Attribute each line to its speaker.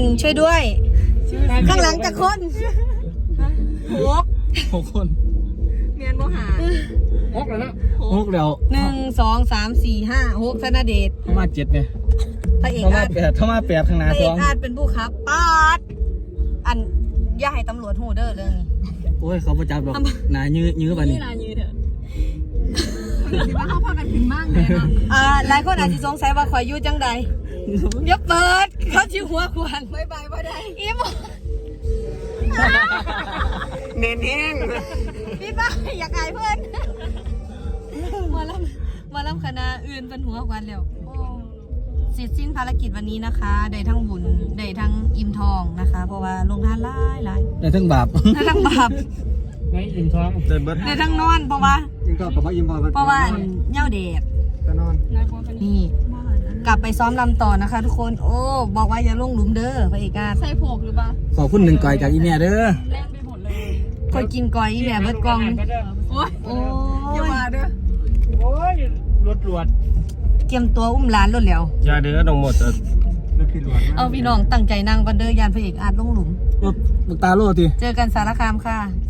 Speaker 1: ช่วยด้วยข้างหลังจะคน
Speaker 2: 6 คน
Speaker 3: เมียนโมหา
Speaker 2: 6แล้วนะ6แล้ว
Speaker 1: 1 2 3 4 5 6ธนเดช
Speaker 2: เข้ามา7เนี่ย
Speaker 1: พระเอกอาจ
Speaker 2: เข้ามา8ข้างหน้า
Speaker 1: พระเอก
Speaker 2: 2
Speaker 1: อาจเป็นผู้ขับปาดอันอย่าให้ตำรวจหูเด้อเรื่องนี้
Speaker 2: โอ้ยเขาประจับหรอกหนายื้อไปนี่
Speaker 3: นี่ลายืดเถอะคิดว่าเขาพากันถึงมากเลยเนาะ
Speaker 1: หลายคนอาจจะสงสัยว่าข่อยอยู่จังใดอย่าเปิดเขาชิวหัวควัน
Speaker 3: บายบายบ่ได้
Speaker 1: อีหม
Speaker 2: เน้นแห้ง
Speaker 1: พี่ป้าอยากอายเพื่อนมาลำคณะอื่นเป็นหัวควันแล้วเสร็จสิ้นภารกิจวันนี้นะคะได้ทั้งบุญได้ทั้งอิ่มทองนะคะเพราะว่าลงทานหลาย
Speaker 2: ได้ทั้งบาป
Speaker 1: ได้ทั้งบาป
Speaker 2: ไม่อิ่มท้องเดินเบิด
Speaker 1: ได้ทั้งนอนเพราะว่า
Speaker 2: อิ่มท้องกับว่าอิ่ม
Speaker 1: เพราะว่าเหย้าเดช
Speaker 2: จะนอน
Speaker 1: นี่กลับไปซ้อมลำต่อนะคะทุกคนโอ้บอกว่าอย่าลงหลุมเด้อพระเอกา
Speaker 3: ใส่ผกหรือเปล่า
Speaker 2: ขอบคุณ1ก่อยจากอีเมียเด้อ
Speaker 3: แล่นไปหมดเลย
Speaker 1: คอยกินก้อยอีแม่เบิดกอง
Speaker 3: โอ้ยอย่ามาเด้อ
Speaker 2: โอ้ยรวด
Speaker 1: เกียมตัวอุ้มหลานรถแล้ว
Speaker 2: อย่าเด้อน้องหมด
Speaker 1: เอาพี่น้องตั้งใจนั่งกันเด้อยานพระเอกอาจลงหลุม
Speaker 2: ลูกตาโลดที
Speaker 1: เจอกันสารคามค่ะ